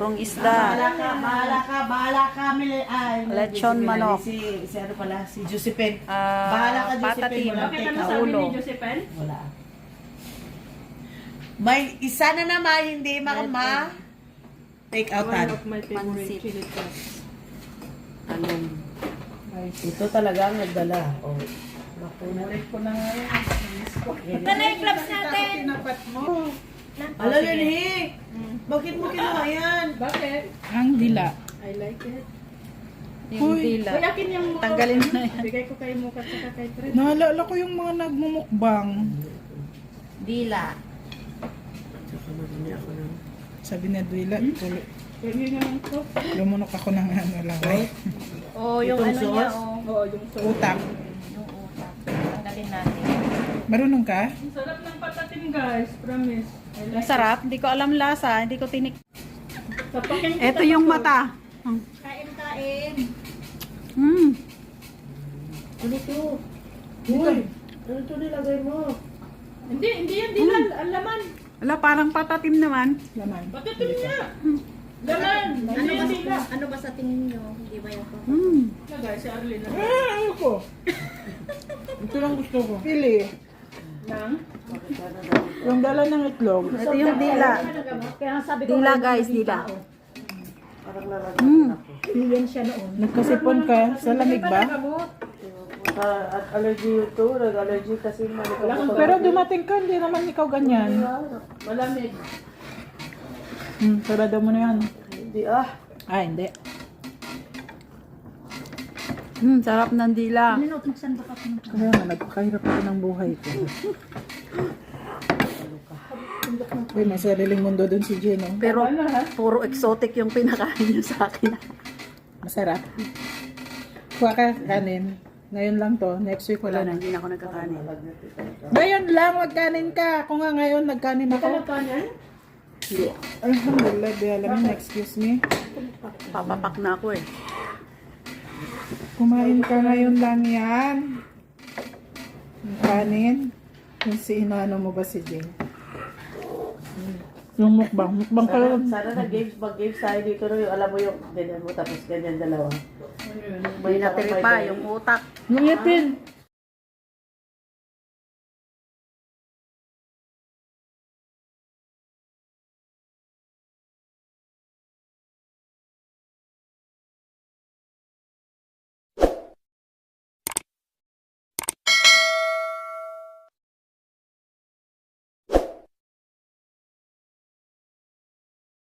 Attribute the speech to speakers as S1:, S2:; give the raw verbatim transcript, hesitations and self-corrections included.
S1: Purong
S2: Bahala
S1: isda.
S2: ka, bahala ka, bahala ka, Mili. Ay,
S1: Lechon
S2: Josephine,
S1: manok.
S2: Si, si ano pala, si Josephine.
S1: Ah,
S2: Bahala ka, Josephine.
S1: patatim.
S2: Walang
S3: Bakit
S2: take
S3: ano
S2: out.
S3: sabi
S1: Ulo.
S3: ni Josephine?
S2: Wala. May isa na naman, hindi makama. Take out
S3: One
S2: tan.
S3: of my favorite
S1: Pansit.
S3: chili sauce.
S1: Talong.
S2: Ito talaga ang nagdala. Oh. Nakulit ko na nga yun.
S3: Ito na yung clubs natin!
S2: Tinapat mo. Alam yun, eh. Bakit mo kinuha yan?
S3: Bakit?
S4: Ang dila.
S3: I like it.
S1: Yung dila.
S3: Uy, akin yung mukha.
S1: Tanggalin mo na yan.
S3: Bigay ko kay Mukat saka kay Fred.
S4: Naalala ko yung mga nagmumukbang.
S1: Dila.
S4: Sabi ni Duila, tuloy.
S3: Yan yun yung to.
S4: Lumunok ako ng ano lang. Ay,
S1: Oh, yung
S2: Itong
S1: ano niya,
S2: sauce?
S1: oh.
S3: Oo, yung sauce.
S4: utak.
S1: Yung utak. Tanggalin natin.
S4: Marunong ka?
S3: Ang sarap ng patatim guys, promise. I
S1: Ang
S3: like
S1: sarap. Hindi ko alam lasa. Hindi ko tinik.
S3: it. Tapakin kita
S1: Ito yung
S3: to.
S1: mata.
S3: Kain, kain.
S1: Hmm.
S2: Ano to? Uy! Ano to nilagay mo?
S3: Hindi, hindi yan, di lang. Ang laman.
S1: Wala, parang patatim naman.
S4: Laman.
S3: Patatim niya. Laman. Hindi yan, di lang.
S5: Ano ba sa tingin nyo? Hindi ba yung
S1: Hmm.
S3: Na guys, si Arlene.
S4: Ah, ayoko. Ito lang gusto ko. Pili.
S3: Nang?
S4: Yung dala ng itlog.
S1: Ito yung dila.
S5: Kaya sabi ko,
S1: Dila guys, dila.
S2: Parang lalagay
S1: Hmm.
S2: ako.
S5: million siya noon.
S4: Nagkasipon ka sa lamig ba?
S2: Ah, at allergy yun to. Nag-allergy kasi malikot ko.
S4: Pero dumating ka, hindi naman ikaw ganyan.
S3: Malamig.
S4: Hmm, sarado mo na yan.
S2: Hindi ah.
S4: Ah, hindi.
S1: Hmm, sarap ng dila.
S5: Minot, magsanda ka ng
S4: Kaya nga, nagpakahirap ako ng buhay ko. Uy, may sariling mundo dun si Gino.
S1: Pero puro exotic yung pinakain niyo sa akin.
S4: Masarap. Kuha ka kanin. Ngayon lang to. Next week
S1: Wala
S4: wala
S1: na,
S4: na.
S1: hindi na ako nagkakanin.
S4: Ngayon lang, magkanin ka. Kung nga ngayon, nagkanin ako.
S1: Hindi.
S4: Alhamdulillah, di alam mo, excuse me.
S1: Papapak na ako eh.
S4: Kumain ka ngayon lang yan. Yung kanin. Yung si inaano mo ba si Jane? Yung mukbang. Mukbang ka
S2: Sana,
S4: lang.
S2: sana nag-games, mag-games tayo dito no, yung alam mo yung ganyan mo tapos ganyan dalawa.
S1: May natiri pa, yung utak.
S4: Yung ipin.